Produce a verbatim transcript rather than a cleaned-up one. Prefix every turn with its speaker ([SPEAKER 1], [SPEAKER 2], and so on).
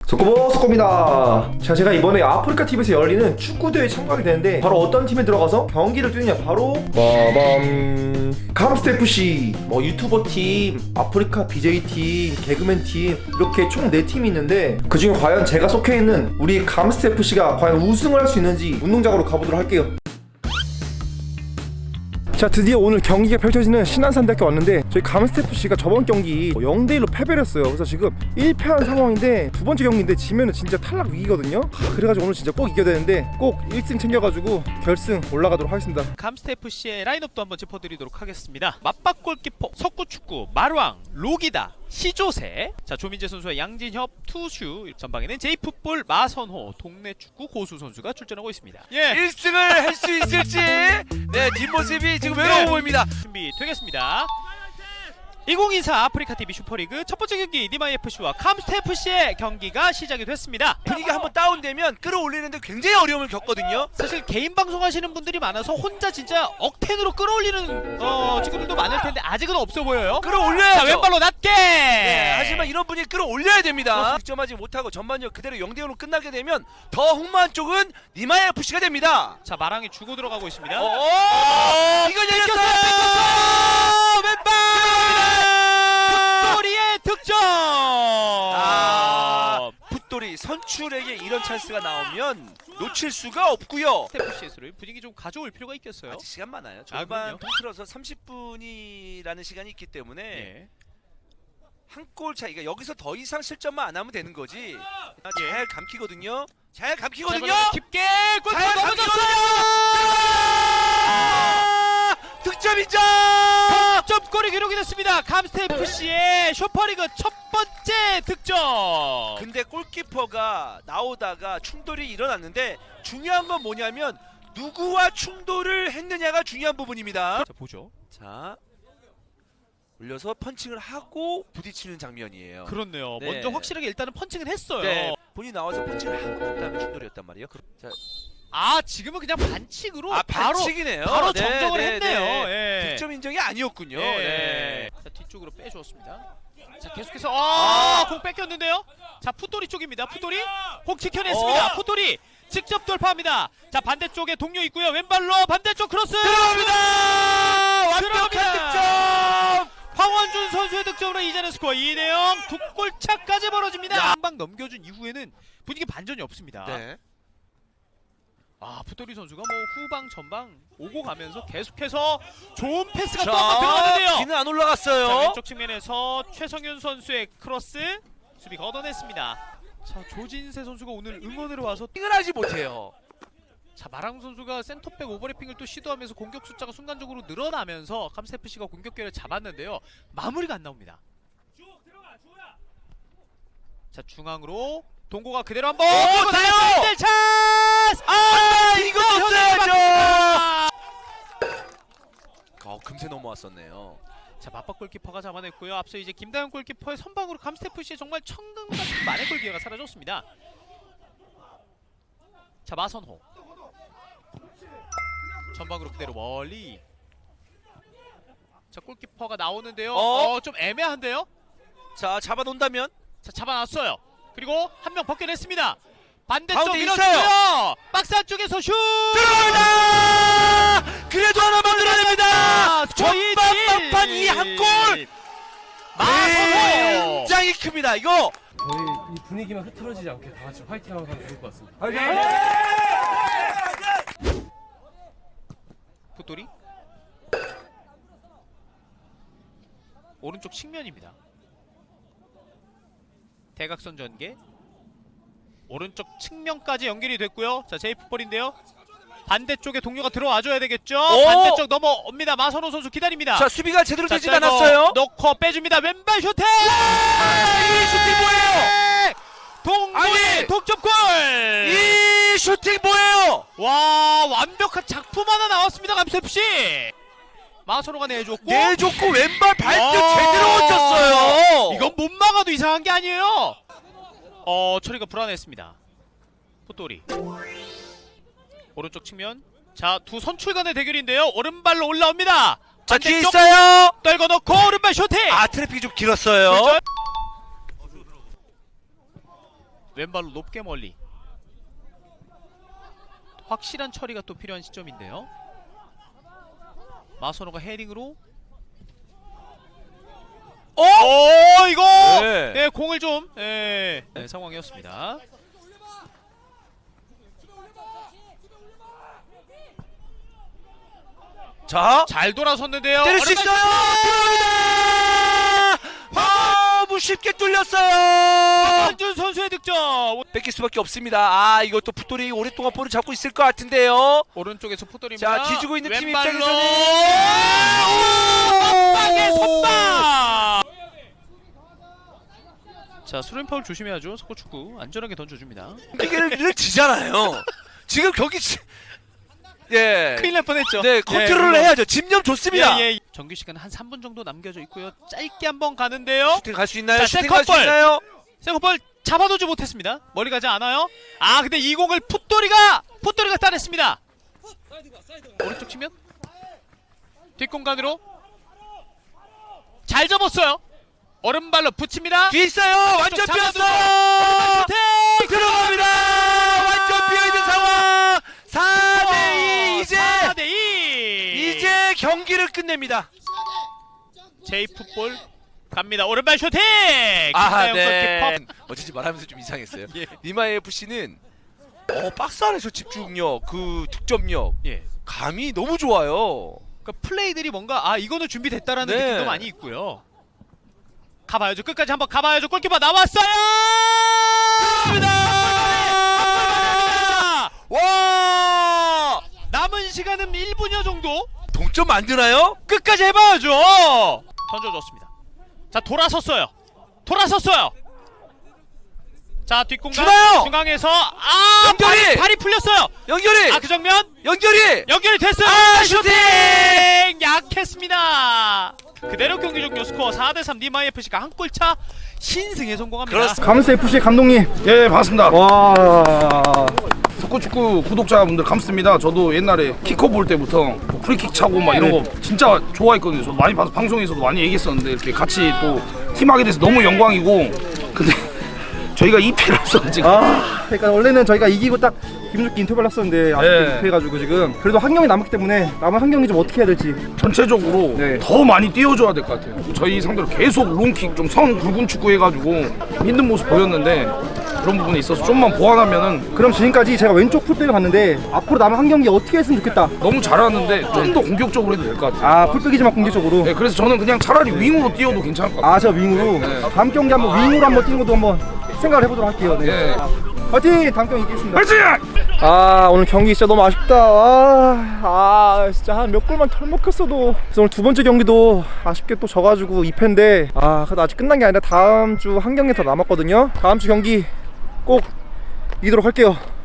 [SPEAKER 1] 소꼬보 소꼬입니다. 자, 제가 이번에 아프리카 티비에서 열리는 축구대회에 참가하게 되는데 바로 어떤 팀에 들어가서 경기를 뛰느냐, 바로 빠밤 감스트에프씨. 뭐 유튜버 팀, 아프리카 비제이 팀, 개그맨 팀, 이렇게 총 네 팀이 있는데 그중에 과연 제가 속해있는 우리 감스트에프씨가 과연 우승을 할 수 있는지 운동장으로 가보도록 할게요. 자, 드디어 오늘 경기가 펼쳐지는 신안산대학교 왔는데 저희 감스트에프씨가 저번 경기 영 대 일로 패배를 했어요. 그래서 지금 일 패한 상황인데 두 번째 경기인데 지면은 진짜 탈락 위기거든요. 하, 그래가지고 오늘 진짜 꼭 이겨야 되는데 꼭 일 승 챙겨가지고 결승 올라가도록 하겠습니다.
[SPEAKER 2] 감스트에프씨의 라인업도 한번 짚어드리도록 하겠습니다. 맞박 골키퍼 석구축구 마루앙 로기다 시조세, 자 조민재 선수와 양진협 투슈, 전방에는 제이풋볼 마선호 동네 축구 고수 선수가 출전하고 있습니다. 예,
[SPEAKER 3] 일 승을 할 수 있을지 네 뒷모습이 지금 외로워 보입니다.
[SPEAKER 2] 준비 되겠습니다. 이천이십사 아프리카 티비 슈퍼리그 첫 번째 경기 니마이에프씨와 감스트에프씨의 경기가 시작이 됐습니다.
[SPEAKER 3] 분위기가 한번 다운되면 끌어올리는데 굉장히 어려움을 겪거든요.
[SPEAKER 2] 사실 개인 방송 하시는 분들이 많아서 혼자 진짜 억텐으로 끌어올리는 어, 친구들도 많을 텐데 아직은 없어 보여요.
[SPEAKER 3] 끌어올려야죠.
[SPEAKER 2] 자, 왼발로 낮게.
[SPEAKER 3] 네, 하지만 이런 분이 끌어올려야 됩니다. 득점하지 못하고 전반전 그대로 영 대 영으로 끝나게 되면 더 흥망한 쪽은 니마이에프씨가 됩니다.
[SPEAKER 2] 자, 마랑이 주고 들어가고 있습니다.
[SPEAKER 3] 어, 이거 열렸어요.
[SPEAKER 2] 왼발. 풋돌이의 득점.
[SPEAKER 3] 아, 풋돌이 선출에게 이런 찬스가 나오면 놓칠 수가 없고요.
[SPEAKER 2] 에프씨에스를 분위기 좀 가져올 필요가 있겠어요.
[SPEAKER 3] 아직 시간 많아요.
[SPEAKER 2] 아,
[SPEAKER 3] 전반
[SPEAKER 2] 그럼요.
[SPEAKER 3] 통틀어서 삼십 분이라는 시간이 있기 때문에
[SPEAKER 2] 예.
[SPEAKER 3] 한 골 차이가, 여기서 더 이상 실점만 안 하면 되는 거지. 잘 감키거든요. 잘 감키거든요.
[SPEAKER 2] 자, 깊게 골
[SPEAKER 3] 잘
[SPEAKER 2] 넘어졌어요.
[SPEAKER 3] 득점 인정.
[SPEAKER 2] 득점골이 기록이 됐습니다. 감스트에프씨의 슈퍼리그 첫 번째 득점.
[SPEAKER 3] 근데 골키퍼가 나오다가 충돌이 일어났는데 중요한 건 뭐냐면 누구와 충돌을 했느냐가 중요한 부분입니다.
[SPEAKER 2] 자, 보죠.
[SPEAKER 3] 자, 올려서 펀칭을 하고 부딪히는 장면이에요.
[SPEAKER 2] 그렇네요.
[SPEAKER 3] 네.
[SPEAKER 2] 먼저 확실하게 일단은 펀칭을 했어요.
[SPEAKER 3] 네, 본인이 나와서 펀칭을 하고 난 다음에 충돌이었단 말이에요. 자,
[SPEAKER 2] 아, 지금은 그냥 반칙으로
[SPEAKER 3] 아,
[SPEAKER 2] 바로
[SPEAKER 3] 반칙이네요.
[SPEAKER 2] 바로
[SPEAKER 3] 네,
[SPEAKER 2] 정정을
[SPEAKER 3] 네,
[SPEAKER 2] 했네요.
[SPEAKER 3] 네.
[SPEAKER 2] 예.
[SPEAKER 3] 득점 인정이 아니었군요.
[SPEAKER 2] 예.
[SPEAKER 3] 네.
[SPEAKER 2] 자, 뒤쪽으로 빼주었습니다. 자, 계속해서 아, 공 뺏겼는데요. 자, 풋돌이 쪽입니다. 풋돌이 공 지켜냈습니다.
[SPEAKER 3] 어.
[SPEAKER 2] 풋돌이 직접 돌파합니다. 자, 반대쪽에 동료 있고요. 왼발로 반대쪽 크로스
[SPEAKER 3] 들어갑니다. 완벽한
[SPEAKER 2] 들어갑니다.
[SPEAKER 3] 득점.
[SPEAKER 2] 황원준 선수의 득점으로 이제는 스코어 이 대 영, 두 골 차까지 벌어집니다. 한 방 넘겨준 이후에는 분위기 반전이 없습니다.
[SPEAKER 3] 네.
[SPEAKER 2] 아, 풋돌이 선수가 뭐 후방 전방 오고 가면서 계속해서 좋은 패스가 또
[SPEAKER 3] 자,
[SPEAKER 2] 한번 들어가는데요.
[SPEAKER 3] 귀는 안 올라갔어요.
[SPEAKER 2] 자, 왼쪽 측면에서 최성윤 선수의 크로스 수비 걷어냈습니다. 자, 조진세 선수가 오늘 응원으로 와서
[SPEAKER 3] 을 하지 못해요.
[SPEAKER 2] 자, 마랑 선수가 센터백 오버래핑을 또 시도하면서 공격 숫자가 순간적으로 늘어나면서 감스트에프씨가 공격 기회를 잡았는데요. 마무리가 안 나옵니다. 자, 중앙으로 동고가 그대로 한번
[SPEAKER 3] 오,
[SPEAKER 2] 그리고
[SPEAKER 3] 돼요!
[SPEAKER 2] 나가서 일 대 찬스!
[SPEAKER 3] 아, 이거 없어야죠.
[SPEAKER 2] 아!
[SPEAKER 3] 어, 금세 넘어왔었네요.
[SPEAKER 2] 자, 맞박 골키퍼가 잡아냈고요. 앞서 이제 김다현 골키퍼의 선방으로 감스트에프씨의 정말 천금 같은 만의 골 기회가 사라졌습니다. 자, 마선호 전방으로 그대로 멀리. 자, 골키퍼가 나오는데요.
[SPEAKER 3] 어?
[SPEAKER 2] 어, 좀 애매한데요.
[SPEAKER 3] 자, 잡아놓는다면
[SPEAKER 2] 자, 잡아놨어요. 그리고 한 명 벗겨냈습니다. 반대쪽
[SPEAKER 3] 가운데
[SPEAKER 2] 밀어주고요. 박스 안쪽에서 슛!
[SPEAKER 3] 들어갑니다. 그래도 하나 만들어냅니다.
[SPEAKER 2] 스코어
[SPEAKER 3] 전반 막판 이 한 골.
[SPEAKER 2] 마선호!
[SPEAKER 3] 굉장히 큽니다. 이거.
[SPEAKER 4] 저희 이 분위기만 흐트러지지 않게 다 같이 화이팅하면 좋을 것 같습니다.
[SPEAKER 2] 풋돌이 오른쪽 측면입니다. 대각선 전개 오른쪽 측면까지 연결이 됐고요. 자, 제이풋볼인데요. 반대쪽에 동료가 들어와줘야 되겠죠.
[SPEAKER 3] 오!
[SPEAKER 2] 반대쪽 넘어옵니다. 마선호 선수 기다립니다.
[SPEAKER 3] 자, 수비가 제대로
[SPEAKER 2] 자,
[SPEAKER 3] 되진
[SPEAKER 2] 자, 이거
[SPEAKER 3] 않았어요.
[SPEAKER 2] 넣고 빼줍니다. 왼발 슈팅!
[SPEAKER 3] 이 슈팅 뭐예요?
[SPEAKER 2] 동고의
[SPEAKER 3] 아니!
[SPEAKER 2] 독점골!
[SPEAKER 3] 이 슈팅 뭐예요?
[SPEAKER 2] 와, 완벽한 작품 하나 나왔습니다. 감스트에프씨. 마선호가 내줬고
[SPEAKER 3] 내줬고 왼발 발등
[SPEAKER 2] 아,
[SPEAKER 3] 제대로 얹혔어요.
[SPEAKER 2] 이건 못 막아도 이상한 게 아니에요. 어, 처리가 불안했습니다. 풋돌이 오른쪽 측면. 자, 두 선출 간의 대결인데요. 오른발로 올라옵니다.
[SPEAKER 3] 자, 뒤에
[SPEAKER 2] 반대쪽
[SPEAKER 3] 있어요.
[SPEAKER 2] 떨궈 놓고 오른발 슈팅.
[SPEAKER 3] 아, 트래픽이 좀 길었어요.
[SPEAKER 2] 그렇죠? 왼발로 높게 멀리. 확실한 처리가 또 필요한 시점인데요. 마선호가 헤딩으로.
[SPEAKER 3] 어?
[SPEAKER 2] 오 이거
[SPEAKER 3] 네.
[SPEAKER 2] 네, 공을 좀 네, 네, 상황이었습니다.
[SPEAKER 3] 자,
[SPEAKER 2] 잘 돌아섰는데요.
[SPEAKER 3] 때릴 수 있어요. 아, 너무 쉽게 뚫렸어요.
[SPEAKER 2] 한준 선수의 득점.
[SPEAKER 3] 뺏길 수밖에 없습니다. 아, 이것도 풋돌이 오랫동안 볼을 잡고 있을 것 같은데요.
[SPEAKER 2] 오른쪽에서 풋돌입니다.
[SPEAKER 3] 자, 뒤지고 있는 팀
[SPEAKER 2] 왼발로.
[SPEAKER 3] 입장에서는
[SPEAKER 2] 빵의 선방. 자, 수련 파울 조심해야죠. 석고 축구 안전하게 던져줍니다.
[SPEAKER 3] 이게를 지잖아요. 지금 경기 지... 예.
[SPEAKER 2] 큰일 날 뻔했죠.
[SPEAKER 3] 네, 컨트롤을
[SPEAKER 2] 예,
[SPEAKER 3] 해야죠. 집념 좋습니다.
[SPEAKER 2] 예, 예. 정규 시간 한 삼 분 정도 남겨져 있고요. 짧게 한번 가는데요.
[SPEAKER 3] 슈팅 갈 수 있나요?
[SPEAKER 2] 자,
[SPEAKER 3] 슈팅 갈 수
[SPEAKER 2] 세컨볼.
[SPEAKER 3] 있나요?
[SPEAKER 2] 세컨볼 잡아두지 못했습니다. 멀리 가지 않아요. 아, 근데 이 공을 풋돌이가 풋돌이가 따냈습니다. 오른쪽 치면 뒷공간으로 잘 접었어요. 오른발로 붙입니다.
[SPEAKER 3] 뒤에 있어요. 완전
[SPEAKER 2] 잡아두고.
[SPEAKER 3] 비었어요.
[SPEAKER 2] 슈팅!
[SPEAKER 3] 들어갑니다. 완전 비어 있는 상황. 사 대 이 이제
[SPEAKER 2] 사 대 이.
[SPEAKER 3] 이제 경기를 끝냅니다.
[SPEAKER 2] 제이풋볼 갑니다. 오른발 슈팅.
[SPEAKER 3] 아,
[SPEAKER 2] 김다영
[SPEAKER 3] 네.
[SPEAKER 2] 골키퍼.
[SPEAKER 3] 어쩐지 말하면서 좀 이상했어요.
[SPEAKER 2] 예.
[SPEAKER 3] 니마이 에프씨는 어, 박스 안에서 집중력, 그 득점력,
[SPEAKER 2] 예.
[SPEAKER 3] 감이 너무 좋아요.
[SPEAKER 2] 그러니까 플레이들이 뭔가 아 이거는 준비됐다라는
[SPEAKER 3] 네.
[SPEAKER 2] 느낌도 많이 있고요. 가봐야죠. 끝까지 한번 가봐야죠. 골키퍼 나왔어요. 들어갑니다.
[SPEAKER 3] 와!
[SPEAKER 2] 남은 시간은 일 분여 정도.
[SPEAKER 3] 동점 만드나요?
[SPEAKER 2] 끝까지 해봐야죠. 던져줬습니다. 자, 돌아섰어요. 돌아섰어요. 자, 뒷공간
[SPEAKER 3] 주나요?
[SPEAKER 2] 중앙에서 아
[SPEAKER 3] 연결이!
[SPEAKER 2] 발이, 발이 풀렸어요.
[SPEAKER 3] 연결이!
[SPEAKER 2] 아, 그 장면
[SPEAKER 3] 연결이!
[SPEAKER 2] 연결이 됐어요.
[SPEAKER 3] 아,
[SPEAKER 2] 슈팅!
[SPEAKER 3] 슈팅!
[SPEAKER 2] 약했습니다. 그대로 경기 종료 스코어 사 대 삼 니마이 에프씨가 한 골차 신승에 성공합니다.
[SPEAKER 3] 그렇습니다.
[SPEAKER 1] 감스 에프씨의 감독님.
[SPEAKER 5] 예, 반갑습니다.
[SPEAKER 1] 와.
[SPEAKER 5] 석구축구 구독자분들 감사합니다. 저도 옛날에 키커 볼 때부터 뭐 프리킥 차고 막 이런 거 진짜 좋아했거든요. 저도 많이 봐서 방송에서도 많이 얘기했었는데 이렇게 같이 또 팀하게 돼서 너무 영광이고, 근데 저희가 이 패를 앞서 지금
[SPEAKER 1] 아, 그러니까 원래는 저희가 이기고 딱 기분 좋게 인터뷰를 했었는데 아쉽게
[SPEAKER 5] 네.
[SPEAKER 1] 못해가지고 지금 그래도 한 경기 남았기 때문에 남은 한 경기 좀 어떻게 해야 될지.
[SPEAKER 5] 전체적으로
[SPEAKER 1] 네.
[SPEAKER 5] 더 많이 띄워줘야 될 것 같아요. 저희 상대로 계속 롱킥 좀 선 굵은 축구 해가지고 힘든 모습 보였는데 그런 부분에 있어서 좀만 보완하면은
[SPEAKER 1] 그럼 지금까지 제가 왼쪽 풀백을 봤는데 앞으로 남은 한 경기 어떻게 했으면 좋겠다.
[SPEAKER 5] 너무 잘하는데 좀 더 공격적으로 해도 될 것 같아요.
[SPEAKER 1] 아, 풀백이지만 공격적으로.
[SPEAKER 5] 네, 그래서 저는 그냥 차라리 윙으로 뛰어도 괜찮을 것 같아요.
[SPEAKER 1] 아, 저 윙으로.
[SPEAKER 5] 네.
[SPEAKER 1] 다음 경기 한번 윙으로 한번 뛰는 것도 한번 생각을 해보도록 할게요. 네.
[SPEAKER 5] 네.
[SPEAKER 1] 화이팅! 다음 경기 이기겠습니다.
[SPEAKER 5] 화이팅!
[SPEAKER 1] 아, 오늘 경기 진짜 너무 아쉽다. 아, 아 진짜 한 몇 골만 털먹혔어도. 그래서 오늘 두 번째 경기도 아쉽게 또 져가지고 이 패인데, 아, 그래도 아직 끝난 게 아니라 다음 주 한 경기 더 남았거든요. 다음 주 경기 꼭 이기도록 할게요.